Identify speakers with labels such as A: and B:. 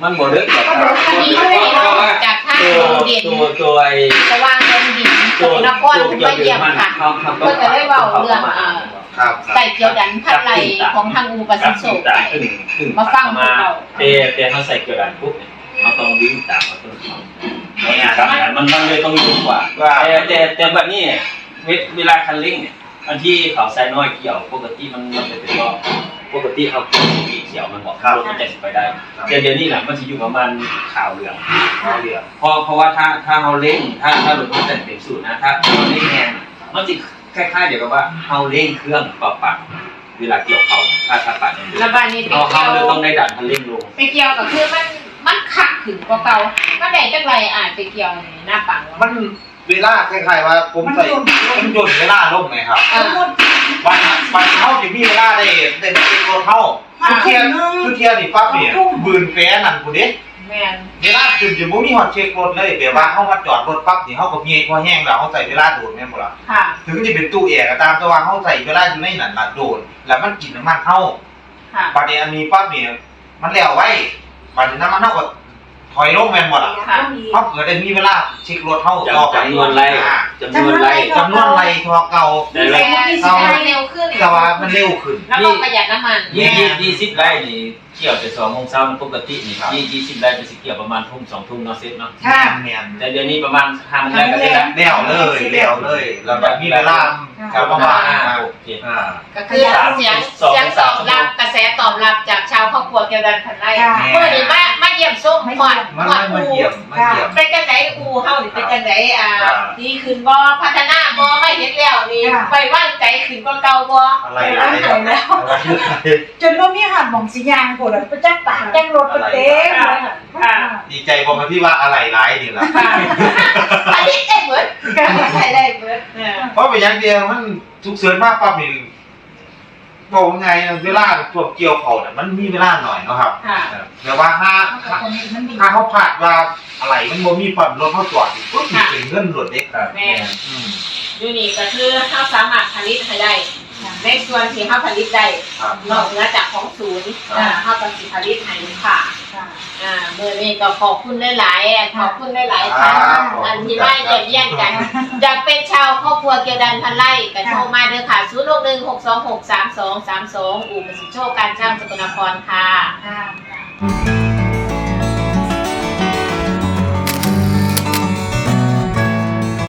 A: มันบ่เลิกหรอก
B: จากท่าเด่น
A: ตัว
B: สว่างเด่นดินนครขึ้นมาเยี่ยมค่ะก็จะได้เว้าเรื่องไก่เจียวดันพัดไหลของทางอูปสิโศกมาฟังพวกเรา
A: แต่เขาใส่เกลือดันปุ๊บเขาต้องวิ่งตามเขาต้องมันเลยต้องยุ่งกว่าแต่แบบนี้เวลาคันเร่งเนี่ยอันที่เขาใส่น้อยเกี่ยวปกติมันจะเป็นว่าปกติเขาเขียวมันบอกรถมันจะไปได้แต่เดี๋ยวนี้แหละมันจะอยู่ประมาณขาวเหลืองเพราะว่าถ้าเขาเร่งถ้ารถมันแต่งเต็มสูตรนะถ้าเขาเร่งแรงมันจะคล้ายๆเดี๋ยวกับว่าเขาเร่งเครื่องปัดเวลาเกี่ยวเขาถ้าปัด
B: ระบายนี้
A: เขาเลยต้องได้ดันคันเร่งลง
B: ไปเกี่ยวกับคือมันขัดถึงกว่าเก่าก็ได้จักไรไปเกี่ยวหน้าปัง
C: มันเวลาคล้ายๆว่าผมใส่มันโยนเวลาลงไงครับวันเท่าจะมีเวลาได้เป็นตัวเท่าทุกเทียนี่ปั๊บเนี่ยบืนแฝนั่นกูเด็กเวลาขึ้นจะบ่มีฮอดเช็ครถเลยแบบว่าเขามาจอดรถปั๊บนี่เขาก็เงียบพอแห้งแล้วเขาใส่เวลาโดดแม่นบ่ล่ะถึงจะเป็นตู้แอร์ก็ตามแต่ว่าเขาใส่เวลาอยู่ในนั้นล่ะโดดแล้วมันกินน้ำมันเท่าบัดนี้อันนี้ปั๊บเนี่ยมันแล้วไว้บัดนี้น้ำมันเท่าก็ถอยลงแม่นบ่ล่ะเขาเกิดได้มีเวลาเช็ครถเท่า
A: ต่อไปจำนวนไร
C: ทอเก่า
B: แต่เร็วขึ้น
C: แต่ว่ามันเร็วขึ้น
B: แล้วก็ประหยัดน้ำมัน
A: 20 ไร่นี่เกี่ยวแต่2 โมงเช้าปกตินี่20 ไร่จะสิเกี่ยวประมาณทุ่ม2 ทุ่มเนาะเซ็ตเนาะแต่เดี๋ยวนี้ประมาณ5 โมงก็ได้
C: แล้วเลยแล้วแบบมีเวลาประมาณ
A: โอเค
B: ก็คือเสียงตอบรับกระแสตอบรับจากชาวครอบครัวเกี่ยวดันพันไร่เมื่อนี้มาเยี่ยมส้มก่อน
C: อู
B: เป็นจังไดอูเฮานี่เป็นจังไดดีขึ้นบ่พัฒนาบ่ไม่เห็นแล้วนี่ไปว่างใจขึ้นกว่าเก่าบ่
C: อะไรแล้ว
D: จนว่ามีหันมองสียางโผล่ไปจักปากจังรถเต็ม
C: ดีใจพอมาที่ว่าอะไรร้ายนี่ล่ะ
B: อันนี้ได้เบิดได้เบิด
C: เพราะไปอย่างเดียวมันทุกเสือนมากปั๊บนี่บอกไงเวลาตัวเกี่ยวเขาเนี่ยมันมีเวลาหน่อยเนาะครับแต่ว่าถ้าเขาผ่านว่าอะไรมันโมมีปั๊มรถเขาจอดก็ถึงเงินรถเด็ก
B: แม่อยู่นี่ก็คือเขาสามารถผลิตให้ได้ในส่วนที่เขาผลิตได้นอกเหนือจากของศูนย์เขาต้องผลิตให้ลูกค้าเมื่อนี้ก็ขอบคุณหลายๆขอบคุณหลายๆท่านอันที่มาเยี่ยมเยียนกันอยากเป็นชาวครอบครัวเกี่ยวดันพันไร่ก็โทรมาเด้อค่ะ061-626-3232อู่ประสิทธิโชคการช่างสกลนครค่ะ